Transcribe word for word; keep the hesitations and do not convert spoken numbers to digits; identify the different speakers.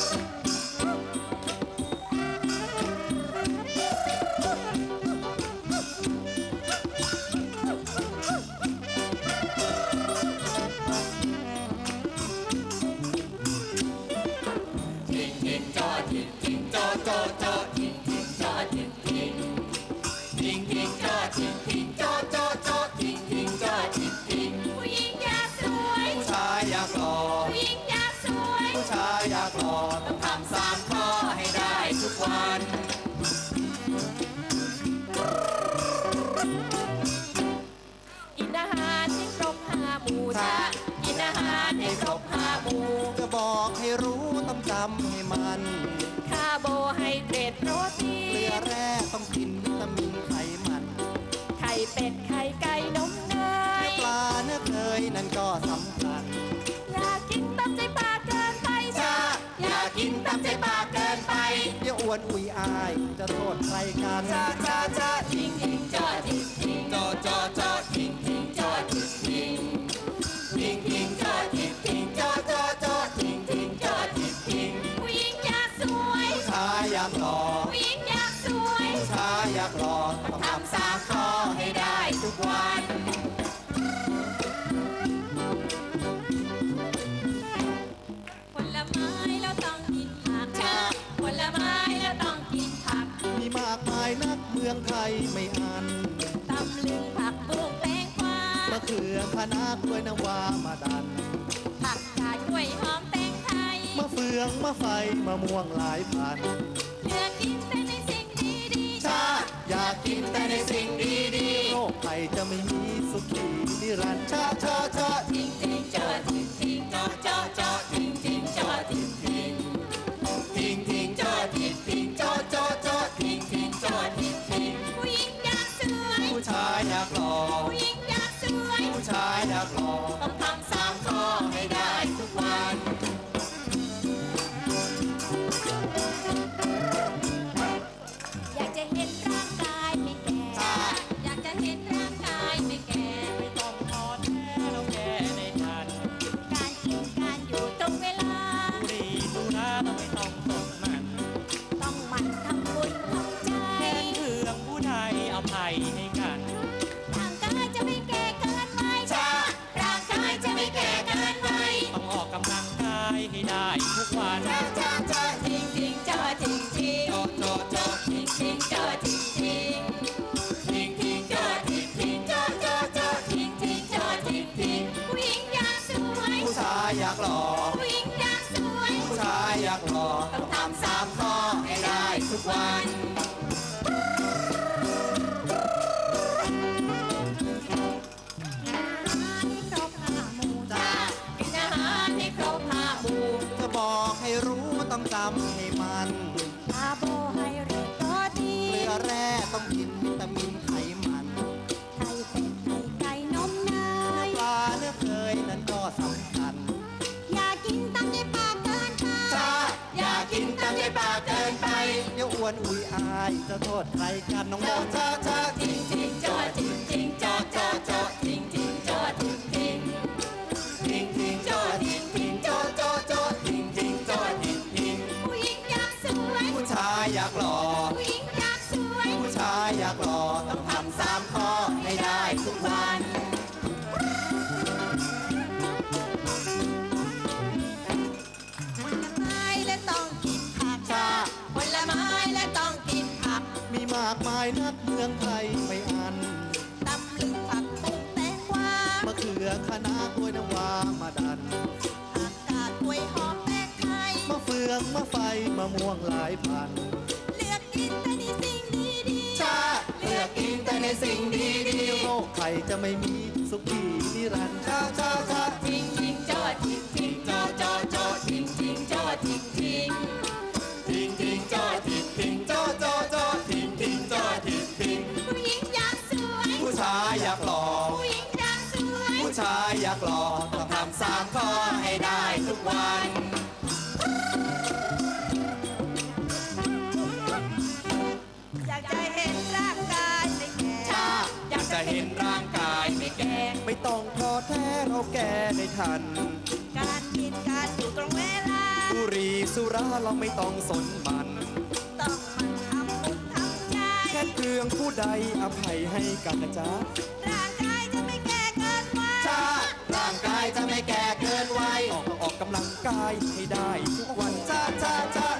Speaker 1: อยากหล่อต้องทำสามข้อให้ได้ทุกวัน
Speaker 2: กินอาหารให้ครบห้าหมู่จ้ากินอาหารให้ครบห้าหมู่
Speaker 1: จะบอกให้รู้ต้องจำให้มัน
Speaker 2: คาร์โบไฮเดรตโปรตีน
Speaker 1: เกลือแร่ต้องกินวิตามินไขมัน
Speaker 2: ไข่เป็ดไข่ไก่นมเนย
Speaker 1: ปลาเนื้อเคยนั่นก็สำคัญ
Speaker 2: อยากกินตามใจปากเกินไป
Speaker 1: จ้าอยากกินตามใจปากเกินไปเดี๋ยวอ้วนอุยอายจะโทษใครกันจ้าจ้าจ้าทิ้งทิ้งจอทิ้งทิ้งจอจอจอทิ้งทิ้งจอทิ้งทิ้งทิ้งทิ้งจอทิ้งทิ้งจอจอจอทิ้งทิ้งจอทิ้งทิ้ง
Speaker 2: ผู้หญิงอยากสวย
Speaker 1: ผู้ชายอยากหล่อ
Speaker 2: ผู้หญิงอยากสวย
Speaker 1: ผู้ชายอยากหล่อต้องทำสามข้อให้ได้ทุกวัน
Speaker 2: ผลไม้แล้วต้องกินผักผลไม้แล้วต้องกินผัก
Speaker 1: มีมากมายนักเมืองไทยไม่อัน
Speaker 2: ตำลึงผักบุ้งแตงกวาม
Speaker 1: ะเขือคะน้ากล้วยน้ำว้ามาดัน
Speaker 2: ผักกาดกล้วยหอมแตงไทย
Speaker 1: มะเฟืองมะไฟมะม่วงหลายพัน
Speaker 2: เลือกกินแต่ในสิ่งดีๆ
Speaker 1: ชาอยากกินแต่ในสิ่งดีๆโรคภัยจะไม่มีสุขีนิรันดร์ชาชาชา
Speaker 2: ทิ้งทิ้งจอทิ้งทิ้งจอจอจอทิ้งทิ้งจอทิ้งทิ้ง
Speaker 1: ทิ้งทิ้งจอทิ้งทิ้งจอจอจอทิ้งทิ้งจอทิ้งทิ้ง
Speaker 2: ผู้หญิงอยากสวย
Speaker 1: ผู้ชายอยากหล่อ
Speaker 2: ผู้หญิงอยากสวย
Speaker 1: ผู้ชายอยากหล่อ
Speaker 2: ต้องทำสามข้อให้ได้ทุกวันอยากจะเห็นร่างกายไม่แก่อยากจะเห็นร่างกายไม่แก่
Speaker 1: ไม่ต้องท้อแท้แล้วแก่ในทัน
Speaker 2: การกินการอยู่ตรงเวลา
Speaker 1: ดูดีดูน่าต้องไม่ต้องตกมัน
Speaker 2: ต้องหมั่นทำบุญทำใจ
Speaker 1: แค่เรื่องผู้ไทยเอาภัยให้กัน
Speaker 2: ร่างกายจะไม่แก่เกินไปจ้าร่างกายจะไม่แก่เกินไป
Speaker 1: ต้องออกกำลังกายให้ได้ทุกวัน
Speaker 2: จ้าจ้าจ้าทิ้งทิ้งจ้าทิ้งทิ้ง
Speaker 1: จอจอจอ
Speaker 2: ทิ้งทิ้งจ้าทิ้งทิ้ง
Speaker 1: ทิ้งทิ้งจอทิ้งทิ้งจอจอจอ
Speaker 2: ทิ้งทิ้งจ้าทิ้งทิ้งผู้หญิงอยากสวย
Speaker 1: ผู้ชายอยากหล่อ
Speaker 2: ผู้หญิงอยากสวย
Speaker 1: ผู้ชายอยากหล่อ
Speaker 2: ต้องทำสามข้อให้ได้ทุกวัน
Speaker 1: จะบอกให้รู้ต้องจำให้มัน
Speaker 2: คาร์โบไฮเดรตโปรตีน
Speaker 1: เกลือแร่ต้องกินวิตามินไขมัน
Speaker 2: ไข่เป็ดไข่ไก่นมเนย
Speaker 1: ปลาเนื้อเคยนั่นก็สำคัญ
Speaker 2: อยากกินตามใจปากเกินไป
Speaker 1: จ้าอยากกินตามใจปากเกินไปเดี๋ยวอ้วนอุยอายจะโทษใครกันน้องบอลจ้าจ้า
Speaker 2: ทิ้งทิ้งจอทิ้งทิ้งจอจอจอทิ้งทิ้งจอทิ้งทิ้ง
Speaker 1: ทิ้งทิ้งจอทิ้งทิ้งจอจอจอทิ้งทิ้งจอทิ้งทิ้ง
Speaker 2: ผู้หญิงอยากสวย
Speaker 1: ผู้ชายอยากหล่อ
Speaker 2: ผู้หญิงอยากสวย
Speaker 1: ผู้ชายอยากหล่อต้องทำสามข้อให้ได้ทุกวัน
Speaker 2: ผลไม้และต้องกินผักจ้าผลไม้และต้องกินผัก
Speaker 1: มีมากมายนักเมืองไทยไม่อัน
Speaker 2: ตำลึงผักบุ้งแตงกวาม
Speaker 1: ะเขือคะน้ากล้วยน้ำว้ามาดัน
Speaker 2: ผักกาดกล้วยหอมแตงไทย
Speaker 1: มะเฟืองมะไฟมะม่วงหลายพัน
Speaker 2: เลือกกินแต่ในสิ่งดี
Speaker 1: ๆชาเลือกกินแต่ในสิ่งดีๆโรคภัยจะไม่มีสุขีนิรันดร์ชาชาชา
Speaker 2: ทิ้งทิ้งจอทิ้งทิ้งจอจอจอทิ้งทิ้งจอทิ้งทิ้ง
Speaker 1: ทิ้งทิ้งจอทิ้งทิ้งจอจอจอทิ้งทิ้งจอทิ้งทิ้ง
Speaker 2: ผู้หญิงอยากสวย
Speaker 1: ผู้ชายอยากหล่อ
Speaker 2: ผู้หญิงอยากสวย
Speaker 1: ผู้ชายอยากหล่อต้องทำสามข้อให้ได้ทุกวัน
Speaker 2: อยากจะเห็นร่างกายไม่แก่
Speaker 1: อยากจะเห็นร่างกายไม่แก่ไม่ต้องท้อแท้เราแก่ได้ทัน
Speaker 2: การกินการอยู่ตรงเวลา
Speaker 1: บุหรี่สุสุราเราไม่ต้องสนมัน
Speaker 2: ต้องมันทำบุญทำใจ
Speaker 1: แค่เครื่องผู้ใดอภัยให้กันนะจ๊ะ
Speaker 2: ร่างกายจะไม่แก่เกินวัย
Speaker 1: จ้าร่างกายจะไม่แก่เกินวัยออกออกกำลังกายให้ได้ทุกวันจ้าจ้าจ้า